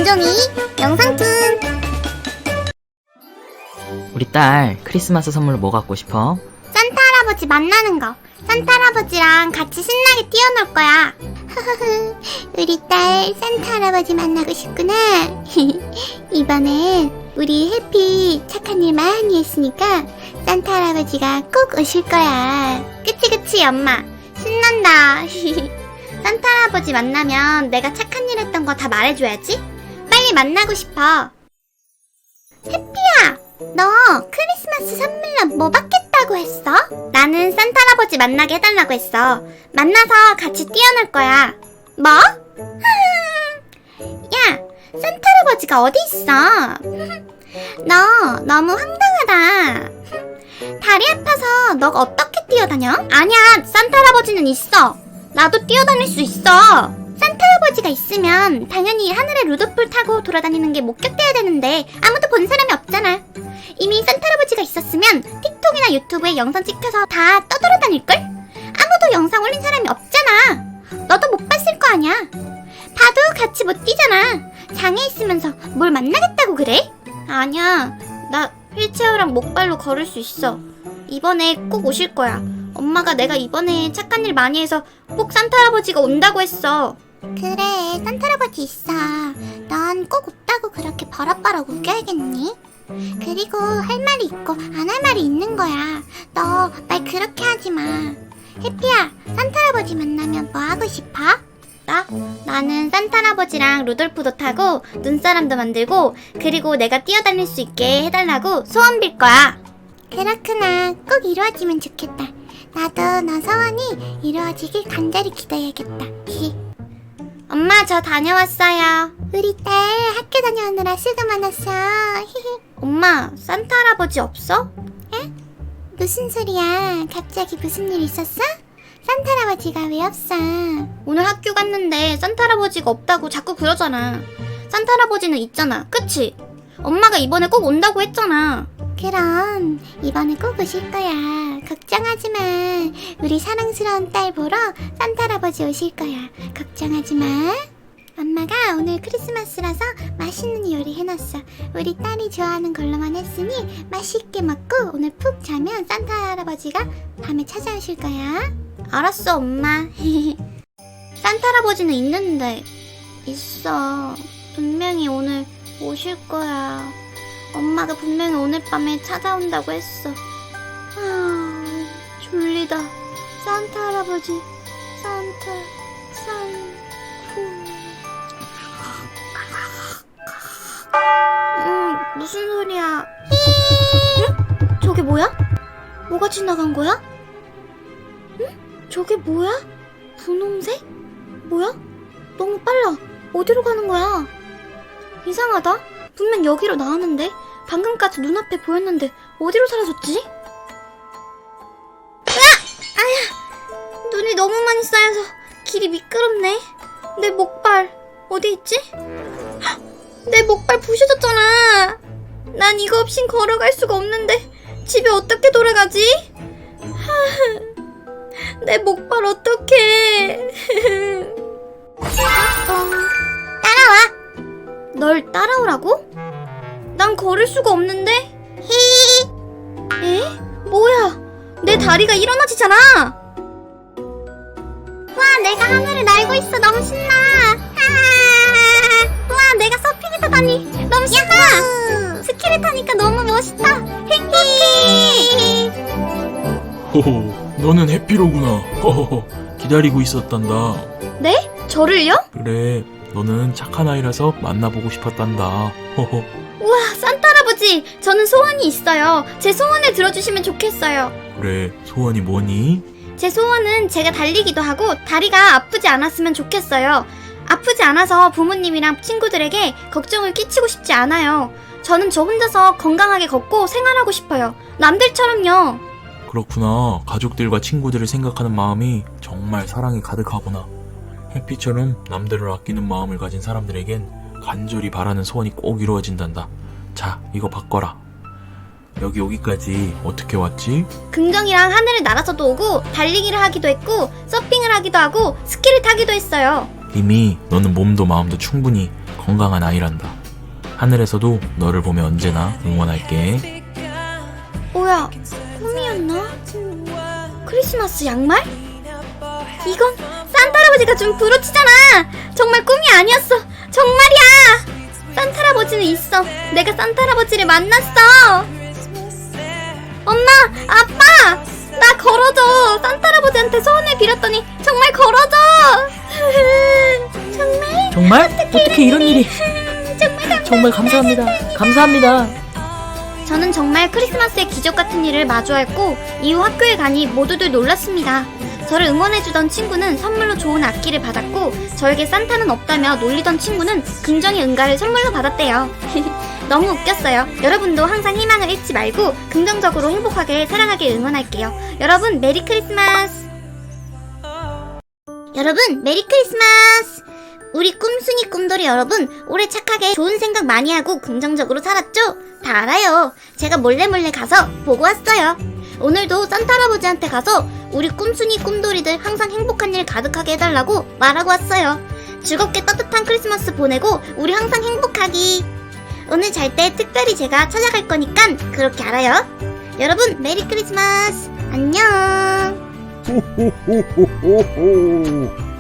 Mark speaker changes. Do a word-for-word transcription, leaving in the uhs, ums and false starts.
Speaker 1: 김종이 영상툰.
Speaker 2: 우리 딸 크리스마스 선물로 뭐 갖고 싶어?
Speaker 1: 산타 할아버지 만나는 거. 산타 할아버지랑 같이 신나게 뛰어놀 거야. 우리 딸 산타 할아버지 만나고 싶구나. 이번엔 우리 해피 착한 일 많이 했으니까 산타 할아버지가 꼭 오실 거야. 그치 그치 엄마. 신난다. 산타 할아버지 만나면 내가 착한 일 했던 거 다 말해줘야지. 빨리 만나고 싶어. 해피야, 너 크리스마스 선물로 뭐 받겠다고 했어? 나는 산타 할아버지 만나게 해달라고 했어. 만나서 같이 뛰어놀 거야. 뭐? 야, 산타 할아버지가 어디 있어? 너 너무 황당하다. 다리 아파서 너가 어떻게 뛰어다녀? 아니야, 산타 할아버지는 있어. 나도 뛰어다닐 수 있어. 산타 할아버지가 있으면 당연히 하늘에 루돌프를 타고 돌아다니는 게 목격돼야 되는데 아무도 본 사람이 없잖아. 이미 산타 할아버지가 있었으면 틱톡이나 유튜브에 영상 찍혀서 다 떠돌아다닐걸? 아무도 영상 올린 사람이 없잖아. 너도 못 봤을 거 아니야. 봐도 같이 못 뛰잖아. 장애 있으면서 뭘 만나겠다고 그래? 아니야, 나 휠체어랑 목발로 걸을 수 있어. 이번에 꼭 오실 거야. 엄마가 내가 이번에 착한 일 많이 해서 꼭 산타 할아버지가 온다고 했어. 그래, 산타 할아버지 있어. 넌 꼭 없다고 그렇게 버럭버럭 우겨야겠니? 그리고 할 말이 있고 안 할 말이 있는 거야. 너 말 그렇게 하지 마. 해피야, 산타 할아버지 만나면 뭐 하고 싶어? 나? 나는 산타 할아버지랑 루돌프도 타고 눈사람도 만들고 그리고 내가 뛰어다닐 수 있게 해달라고 소원 빌 거야. 그렇구나. 꼭 이루어지면 좋겠다. 나도 너 소원이 이루어지길 간절히 기다려야겠다. 엄마, 저 다녀왔어요. 우리 딸 학교 다녀오느라 수고 많았어. 엄마, 산타 할아버지 없어? 에? 무슨 소리야? 갑자기 무슨 일 있었어? 산타 할아버지가 왜 없어? 오늘 학교 갔는데 산타 할아버지가 없다고 자꾸 그러잖아. 산타 할아버지는 있잖아, 그치? 엄마가 이번에 꼭 온다고 했잖아. 그럼 이번에 꼭 오실 거야. 걱정하지 마. 우리 사랑스러운 딸 보러 산타 할아버지 오실 거야. 걱정하지 마. 엄마가 오늘 크리스마스라서 맛있는 요리 해놨어. 우리 딸이 좋아하는 걸로만 했으니 맛있게 먹고 오늘 푹 자면 산타 할아버지가 밤에 찾아오실 거야. 알았어, 엄마. 산타 할아버지는 있는데. 있어. 분명히 오늘 오실 거야. 엄마가 분명히 오늘 밤에 찾아온다고 했어. 아, 졸리다. 산타 할아버지, 산타, 산쿠. 음, 무슨 소리야? 응? 저게 뭐야? 뭐가 지나간 거야? 응? 저게 뭐야? 분홍색? 뭐야? 너무 빨라. 어디로 가는 거야? 이상하다. 분명 여기로 나왔는데 방금까지 눈앞에 보였는데 어디로 사라졌지? 으악! 아야! 눈이 너무 많이 쌓여서 길이 미끄럽네. 내 목발 어디 있지? 헉! 내 목발 부셔졌잖아. 난 이거 없인 걸어갈 수가 없는데 집에 어떻게 돌아가지? 하, 내 목발 어떡해. 따라와. 널 따라오라고? 난 걸을 수가 없는데? 히. 에? 뭐야? 내 다리가 일어나지잖아. 와, 내가 하늘을 날고 있어. 너무 신나. 아, 와, 내가 서핑을 타다니 너무 신나. 야호! 스키를 타니까 너무 멋있다. 행복해.
Speaker 3: 호호, 너는 해피로구나. 호호호, 기다리고 있었단다.
Speaker 1: 네? 저를요?
Speaker 3: 그래, 너는 착한 아이라서 만나보고 싶었단다. 호호.
Speaker 1: 우와, 산타 할아버지, 저는 소원이 있어요. 제 소원을 들어주시면 좋겠어요.
Speaker 3: 그래, 소원이 뭐니?
Speaker 1: 제 소원은 제가 달리기도 하고 다리가 아프지 않았으면 좋겠어요. 아프지 않아서 부모님이랑 친구들에게 걱정을 끼치고 싶지 않아요. 저는 저 혼자서 건강하게 걷고 생활하고 싶어요. 남들처럼요.
Speaker 3: 그렇구나. 가족들과 친구들을 생각하는 마음이 정말 사랑이 가득하구나. 해피처럼 남들을 아끼는 마음을 가진 사람들에겐 간절히 바라는 소원이 꼭 이루어진단다. 자, 이거 바꿔라. 여기 오기까지 어떻게 왔지?
Speaker 1: 긍정이랑 하늘을 날아서도 오고 달리기를 하기도 했고 서핑을 하기도 하고 스키를 타기도 했어요.
Speaker 3: 이미 너는 몸도 마음도 충분히 건강한 아이란다. 하늘에서도 너를 보며 언제나 응원할게.
Speaker 1: 뭐야, 꿈이었나? 크리스마스 양말? 이건 산타 할아버지가 준 브로치잖아. 정말 꿈이 아니었어. 정말이야. 산타 할아버지는 있어. 내가 산타 할아버지를 만났어. 엄마, 아빠, 나 걸어줘. 산타 할아버지한테 소원을 빌었더니 정말 걸어줘. 정말?
Speaker 2: 정말? 어떻게 이런 일이?
Speaker 1: 정말
Speaker 2: 정말 감사합니다. 감사합니다.
Speaker 1: 저는 정말 크리스마스의 기적 같은 일을 마주했고 이후 학교에 가니 모두들 놀랐습니다. 저를 응원해주던 친구는 선물로 좋은 악기를 받았고 저에게 산타는 없다며 놀리던 친구는 긍정의 응가를 선물로 받았대요. 너무 웃겼어요. 여러분도 항상 희망을 잃지 말고 긍정적으로 행복하게 사랑하길 응원할게요. 여러분 메리 크리스마스. 여러분 메리 크리스마스. 우리 꿈순이 꿈돌이 여러분, 올해 착하게 좋은 생각 많이 하고 긍정적으로 살았죠? 다 알아요. 제가 몰래 몰래 가서 보고 왔어요. 오늘도 산타 할아버지한테 가서 우리 꿈순이 꿈돌이들 항상 행복한 일 가득하게 해달라고 말하고 왔어요. 즐겁게 따뜻한 크리스마스 보내고 우리 항상 행복하기. 오늘 잘 때 특별히 제가 찾아갈 거니까 그렇게 알아요. 여러분 메리 크리스마스. 안녕.
Speaker 4: 호호호호호호